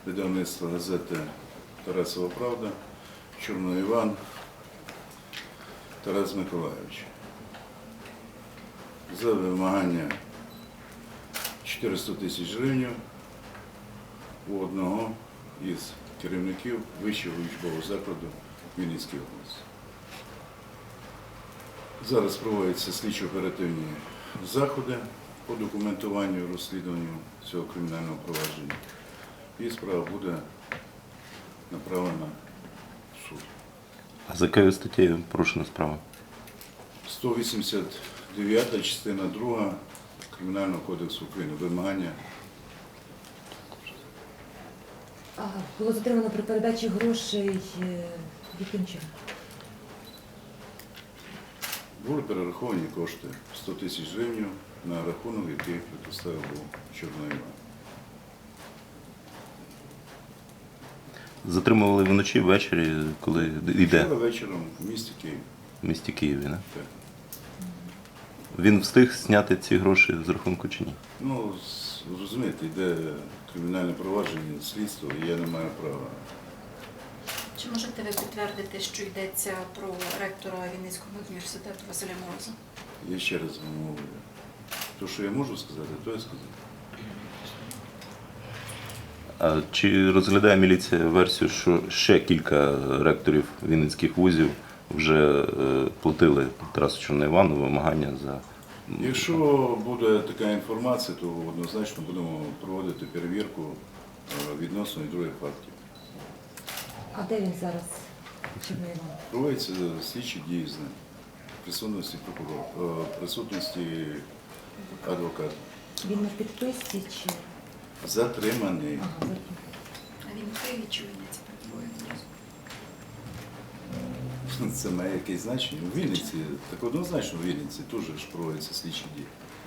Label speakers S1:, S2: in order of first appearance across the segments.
S1: видавництва газети Тарасова Правда, Чорний Іван Тарас Миколайович. За вимагання 400 тисяч гривень у одного із керівників вищого учбового закладу Вінницької області. Зараз проводяться слідчо-оперативні заходи по документуванню і розслідуванню цього кримінального провадження. І справа буде направлена в суд.
S2: А за якою статтею порушена справа?
S1: 189 частина 2 Кримінального кодексу України. Вимагання.
S3: Було затримано при передачі грошей яким чином?
S1: Були перераховані кошти 100 тисяч гривень на рахунок, який предоставив був Чорний Іван.
S2: Затримували вночі, ввечері, коли йде
S1: Вчора вечором в місті Київ.
S2: в місті Києві, не?
S1: Так.
S2: Він встиг зняти ці гроші з рахунку чи ні?
S1: Ну, розумієте, йде кримінальне провадження, слідство, і я не маю права.
S4: Чи можете ви підтвердити, що йдеться про ректора Вінницького університету Василя Мороза?
S1: Я ще раз вам говорю. То, що я можу сказати, то я сказав.
S2: А чи розглядає міліція версію, що ще кілька ректорів вінницьких вузів вже платили Тарасу Чорному Івану вимагання за...
S1: Якщо буде така інформація, то однозначно будемо проводити перевірку відносно і других фактів.
S3: А де він зараз? Чорний Іван?
S1: Проводяться слідчі дії з ним, в присутності прокурора, присутності адвоката.
S3: Він на підписці чи?
S1: Затриманий.
S3: Ага, затриманий.
S4: А він в Києві чи в Вінниці перебуває одразу?
S1: Це має якесь значення. У Вінниці, так однозначно в Вінниці теж ж проводяться слідчі дії.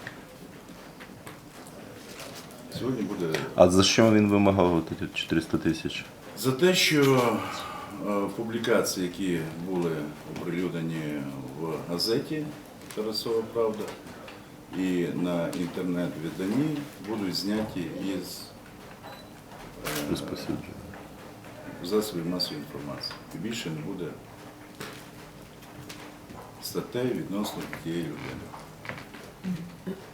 S1: Сьогодні буде...
S2: А за що він вимагав 400 тисяч?
S1: За те, що публікації, які були оприлюднені в газеті «Тарасова Правда» і на інтернет-виданні, будуть зняті із
S2: Розповсюдження.
S1: засобів масової інформації. І більше не буде статей відносно тієї людини.